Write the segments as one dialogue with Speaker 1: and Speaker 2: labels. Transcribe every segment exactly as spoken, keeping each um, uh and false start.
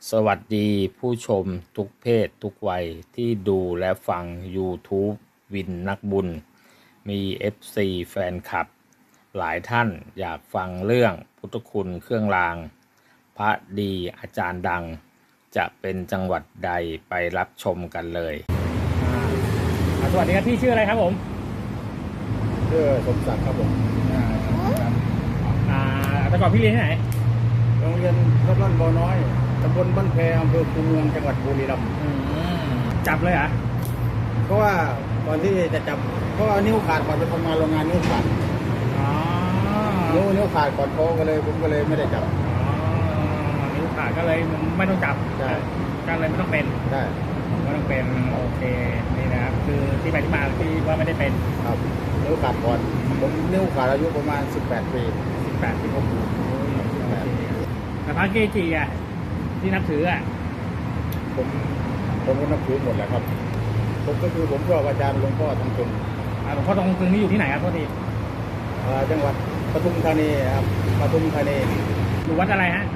Speaker 1: สวัสดีผู้ชมทุกเพศทุกวัยที่ดูและฟัง YouTube วินนักบุญ มี เอฟ ซี แฟนคลับ หลายท่านอยากฟังเรื่องพุทธคุณเครื่องราง พระดีอาจารย์ดัง จะเป็นจังหวัดใดไปรับชมกันเลย
Speaker 2: อ่าสวัสดีครับพี่ชื่ออะไรครับผม
Speaker 3: ชื่อสมศักดิ์ครับผม
Speaker 2: อ่าครับอ่าแต่ก่อนพี่เรียนที่ไหน
Speaker 3: โรงเรียนวัดร่อนบ่อน้อยตำบลบ้านแพอำเภอคูเมืองจังหวัดบุรีรัมย์
Speaker 2: จับเลยเหรอ
Speaker 3: เพราะว่าก่อนที่จะจับเพราะว่านิ้วขาดก่อนไปทำงานโรงงานนิ้วขาด
Speaker 2: อ๋อ
Speaker 3: นิ้วนิ้วขาดก่อนโตก็เลยผมก็เลยไม่ได้จับ
Speaker 2: อ๋อนิ้วขาดก็เลยไม่ต้องจับ
Speaker 3: ใช่
Speaker 2: ก็เลยไม่ต้องเป็น
Speaker 3: ใช่
Speaker 2: ไม่ต้องเป็นโอเคนี่นะครับคือที่ไปที่มาที่ว่าไม่ได้เป็น
Speaker 3: ครับนิ้วขาดก่อนผมนิ้วขาดอายุประมาณสิบแปดปี
Speaker 2: สิบแปดปีผมแต่พระเกจิอ่ะที่นับถืออ่ะ
Speaker 3: ผมผมก็นับถือหมดแหละครับผมก็คือผมชอบอาจารย์หลวงพ่อทองตึง
Speaker 2: หลวงพ่อทองตึงนี่อยู่ที่ไหนครับพ่อที
Speaker 3: จังหวัดปทุมธานีครับปทุมธานี
Speaker 2: อยู่วัดอะไรฮะ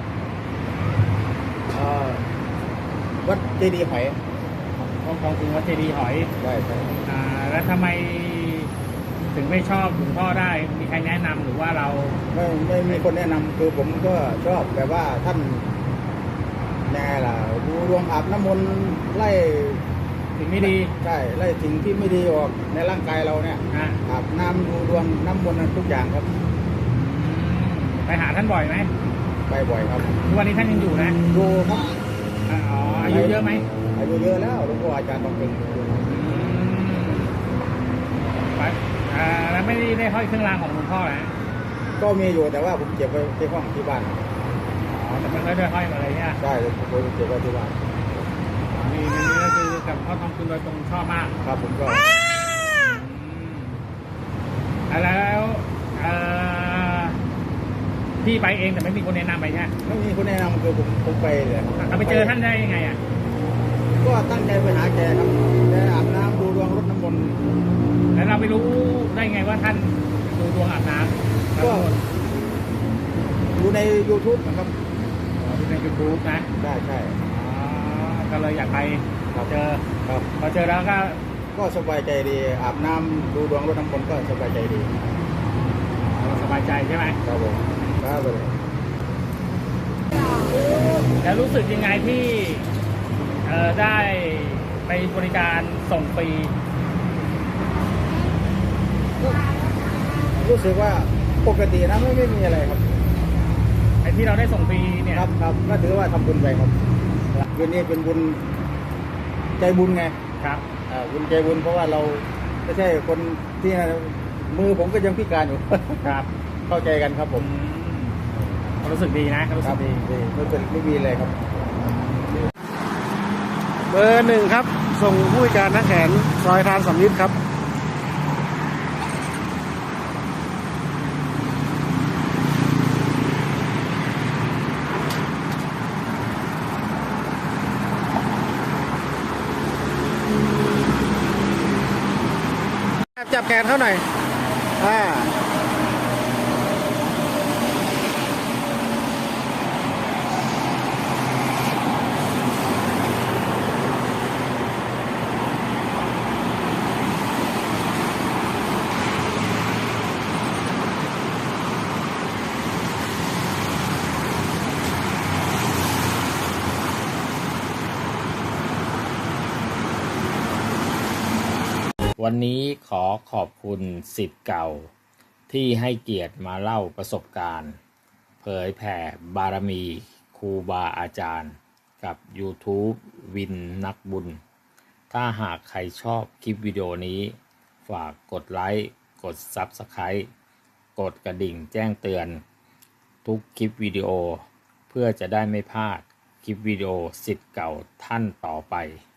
Speaker 3: วัดเจดีย์หอย
Speaker 2: ทองทองตึงวัดเจดีย์หอย
Speaker 3: ใช่ใช่
Speaker 2: อ่าแล้วทำไมถึงไม่ชอบหลวงพ่อได้มีใครแนะนำหรือว่าเรา
Speaker 3: ไม่ไม่มีคนแนะนำคือผมก็ชอบแบบว่าท่านแน่ล่ะดูดวงอาบน้ำมนต์ไล่
Speaker 2: สิ่งไม่ดี
Speaker 3: ใช่ไล่สิ่งที่ไม่ดีออกในร่างกายเราเนี่ยอาบน้ำดูดวงน้ำมนต์ทุกอย่างครับ
Speaker 2: ไปหาท่านบ่อยไหม
Speaker 3: ไปบ่อยครับ
Speaker 2: ทุกวันนี้ท่านยังอยู่นะ
Speaker 3: อยู่ครับ
Speaker 2: อ๋ออายุเยอะไหม
Speaker 3: อายุเยอะแล้วหลวงพ่ออาจารย์ต้องเป็น
Speaker 2: ไปแล้วไม่ได้ได้ห้อยเครื่องรางของหลวงพ่อนะ
Speaker 3: ก็มีอยู่แต่ว่าผมเก็บไว้ที่ห้องที่บ้าน
Speaker 2: อ๋อแต่มันไม่ได้ห้อยมาเลยเนี่ย
Speaker 3: ใช่ผมเก็บไว้ที่บ้าน
Speaker 2: นี่นี่ก็คือกับพ่อทองคุณโดยตรงชอบมาก
Speaker 3: ครับผมก็
Speaker 2: แล้วพี่ไปเองแต่ไม่มีคนแนะนำไปใช่ไหม
Speaker 3: ไม่มีคนแนะนำคือผมผมไปเลย
Speaker 2: เราไปเจอท่านได้ยังไงอ่ะ
Speaker 3: ก็ตั้งใจไปหาแกครับแกอาบน้ำดูดวงรดน้ำมนต์
Speaker 2: แล้วเราไปรู้ได้ไงว่าท่านดูดวงอาบน้ำ
Speaker 3: ก็ดูใน YouTube นะครับ
Speaker 2: ดูใน YouTube นะ
Speaker 3: ใช่ใช่
Speaker 2: ก็เลยอยากไปเจอ
Speaker 3: ครับ
Speaker 2: พอเจอแล้วก็
Speaker 3: ก็สบายใจดีอาบน้ำดูดวงรดน้ำมนต์ก็สบายใจดี
Speaker 2: สบายใจใช่ไหม
Speaker 3: ครับผมครับเลย
Speaker 2: แล้วรู้สึกยังไงที่เอ่อได้ไปบริการส่งฟรี
Speaker 3: รู้สึกว่าปกตินะไม่ไม่มีอะไรครับ
Speaker 2: ไอ้ที่เราได้ส่งฟรีเนี่ย
Speaker 3: ครับครับก็ถือว่าทำบุญไปครับวันนี้เป็นบุญใจบุญไง
Speaker 2: ครับ
Speaker 3: อ่าบุญใจบุญเพราะว่าเราไม่ใช่คนที่มือผมก็ยังพิการอยู่
Speaker 2: ครับ
Speaker 3: เข้าใจกันครับผม
Speaker 2: รู้สึกดีนะรู้สึกดี
Speaker 3: ไม่เป็นไม่มีอะไรครับ
Speaker 4: เบอร์หนึ่งครับส่งผู้การนักแขนซอยทานสำลิดครับจับแขนเขาหน่อยอ่า
Speaker 1: วันนี้ขอขอบคุณศิษย์เก่าที่ให้เกียรติมาเล่าประสบการณ์เผยแผ่บารมีครูบาอาจารย์กับ YouTube วินนักบุญถ้าหากใครชอบคลิปวิดีโอนี้ฝากกดไลค์กด ซับสไครบ์ กดกระดิ่งแจ้งเตือนทุกคลิปวิดีโอเพื่อจะได้ไม่พลาดคลิปวิดีโอศิษย์เก่าท่านต่อไป